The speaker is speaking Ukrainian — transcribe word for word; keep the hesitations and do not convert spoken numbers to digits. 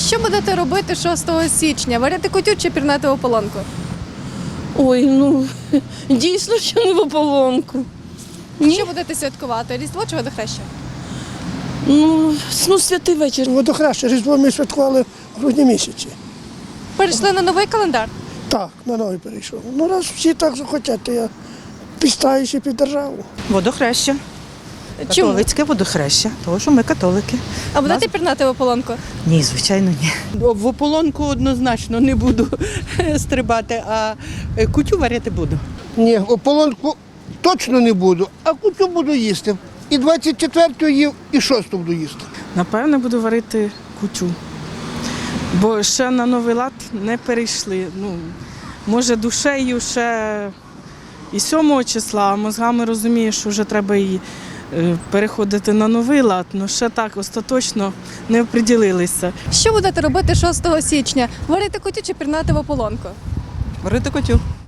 Що будете робити шостого січня? Варити кутю чи пірнати в ополонку? Ой, ну дійсно, що не в ополонку. Ні. Що будете святкувати? Різдво чи водохреща? Ну, ну, святий вечір. Водохреща, Різдво ми святкували в грудні місяці. Перейшли на новий календар? Так, на новий перейшов. Ну раз всі так захотять, то я підстаюся під державу. Водохреща. Чому? Католицьке водохреща, тому що ми католики. А будете пірнати в ополонку? Ні, звичайно, ні. В ополонку однозначно не буду стрибати, а кутю варити буду. Ні, ополонку точно не буду, а кутю буду їсти. І двадцять четвертого їв, і шостого буду їсти. Напевне, буду варити кутю. Бо ще на новий лад не перейшли. Ну, може, душею ще і сьомого числа, а мозгами розумію, що вже треба і е, переходити на новий лад, але ще так остаточно не оприділилися. Що будете робити шостого січня? Варити кутю чи пірнати в ополонку? Варити кутю.